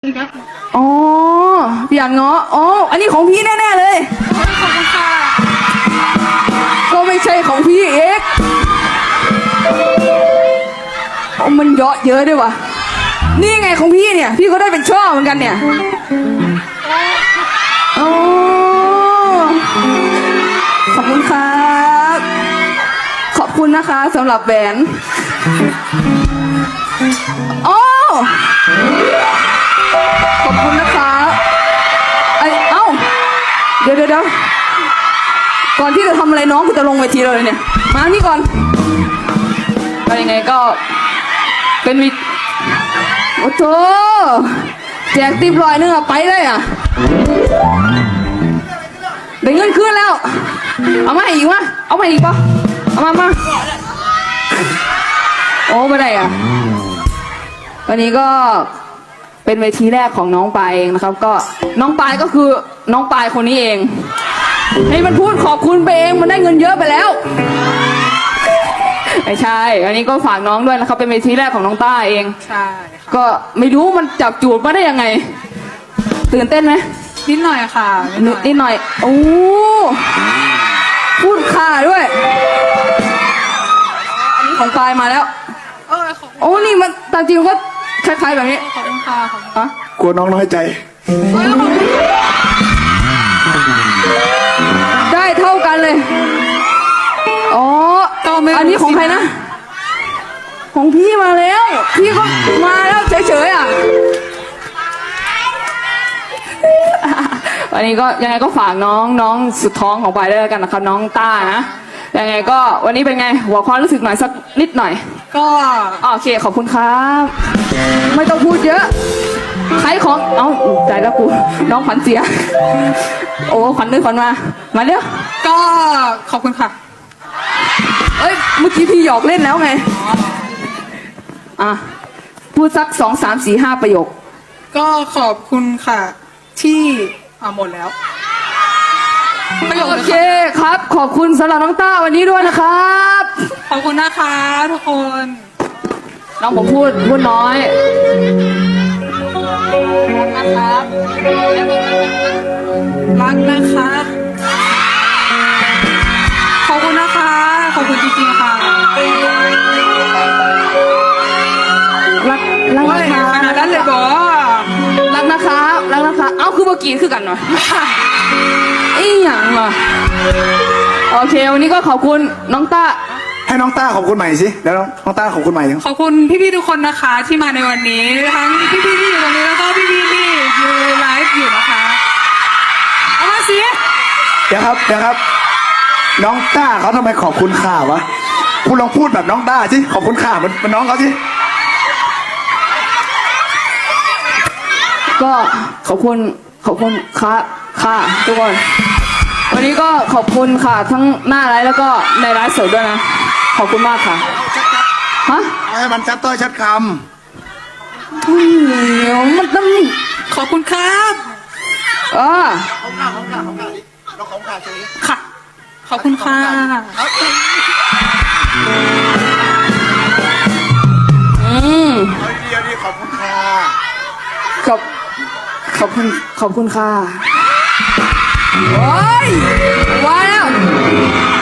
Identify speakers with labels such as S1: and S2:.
S1: อ๋อพี่อันเงาะอ๋ออันนี้ของพี่แน่ๆเลยขอบคุณค่ะก็ไม่ใช่ของพี่เอกมันเยอะเยอะด้วยวะนี่ไงของพี่เนี่ยพี่ก็ได้เป็นช่อเหมือนกันเนี่ยอ๋อขอบคุณครับขอบคุณนะคะสำหรับแหวนอ๋อขอบคุณนะคะเอ้าเดี๋ยวก่อนที่จะทำอะไรน้องกูจะลงเวทีเลยเนี่ยมานี่ก่อนก็ยังไงก็เป็นวิโอ้โหแจกติ๊บ100นึงอะไปเลยอะได้เงินคืนแล้วเอามาอีกวะเอามาอีกปะเอามาโอ้ไม่ได้อะวันนี้ก็เป็นเวทีแรกของน้องปายเองนะครับก็น้องปายก็คือน้องปายคนนี้เองให้มันพูดขอบคุณไปเองมันได้เงินเยอะไปแล้วไม่ใช่อันนี้ก็ฝากน้องด้วยนะครับเป็นเวทีแรกของน้องต้าเอง
S2: ใช่
S1: ก็ไม่รู้มันจับจูดมาได้ยังไงตื่นเต้นไหม
S2: นิดหน่อยค่ะ
S1: นิดหน่อยโอ้พูดข่าด้วยอันนี้ของปายมาแล้วโอ้นี่มันตามจริงก็คล้ายๆแบบนี้
S2: ขอบคุณค่ะ
S1: อะ
S3: กลัวน้องน้อยใจ
S1: ได้เท่ากันเลยอ๋ออันนี้ของใครนะของพี่มาแล้วพี่ก็มาแล้วเฉยๆอ่ะวันนี้ก็ยังไงก็ฝากน้องสุดท้องของปายด้วยกันนะครับน้องต้านะยังไงก็วันนี้เป็นไงหัวความรู้สึกหน่อยสักนิดหน่อย
S2: ก็
S1: โอเคขอบคุณครับไม่ต้องพูดเยอะใครของใจแล้วกูน้องขวัญเสียโอ้ขวัญด้วยขวัญมาเร็ว
S2: ก็ขอบคุณค่ะ
S1: เอ้ยเมื่อกี้พี่หยอกเล่นแล้วไงพูดสัก2 3 4 5ประโยค
S2: ก็ขอบคุณค่ะที่หมดแล้ว
S1: โอเคครับขอบคุณสำหรับน้องต้าวันนี้ด้วยนะครับ
S2: ขอบคุณนะคะทุกคน
S1: น้องผมพูดน้อยนะครับ
S2: รักนะคะขอบคุณนะคะขอบคุณจริงๆค่ะ
S1: รักนะคะ
S2: ขนาดนั้นเลยบอ
S1: รักนะคะเอ้าคือเมื่อกี้คือกันหน่อยอีหยังเหรอโอเควันนี้ก็ขอบคุณน้องต้า
S3: ให้น้องต้าขอบคุณใหม่สิแล้วน้องต้าขอบคุณใหม่
S2: ขอบคุณพี่ๆทุกคนนะคะที่มาในวันนี้ทั้งพี่ๆที่อยู่ตรงนี้แล้วก็พี่ๆที่อยู่ไลฟ์อยู่นะคะเอามาสิ
S3: เดี๋ยวครับน้องต้าเขาทำไมขอบคุณข่าวะคุณลองพูดแบบน้องต้าสิขอบคุณข่ามันน้องเขาสิ
S1: ก็ขอบคุณค่ะทุกคนวันนี้ก็ขอบคุณค่ะทั้งหน้าไลฟ์แล้วก็ในไลฟ์สดด้วยนะขอบคุณมากค่ะฮะ
S3: ให้มันชัดต้อยชัดค
S1: ำมันต้อง
S2: ขอบคุณครับ
S3: ของข่าเราของข่าเฉย
S2: ค่ะขอบคุณค่ะ
S3: ดีขอบคุณค่ะ
S1: ขอบคุณค่ะโอ้ยว้าว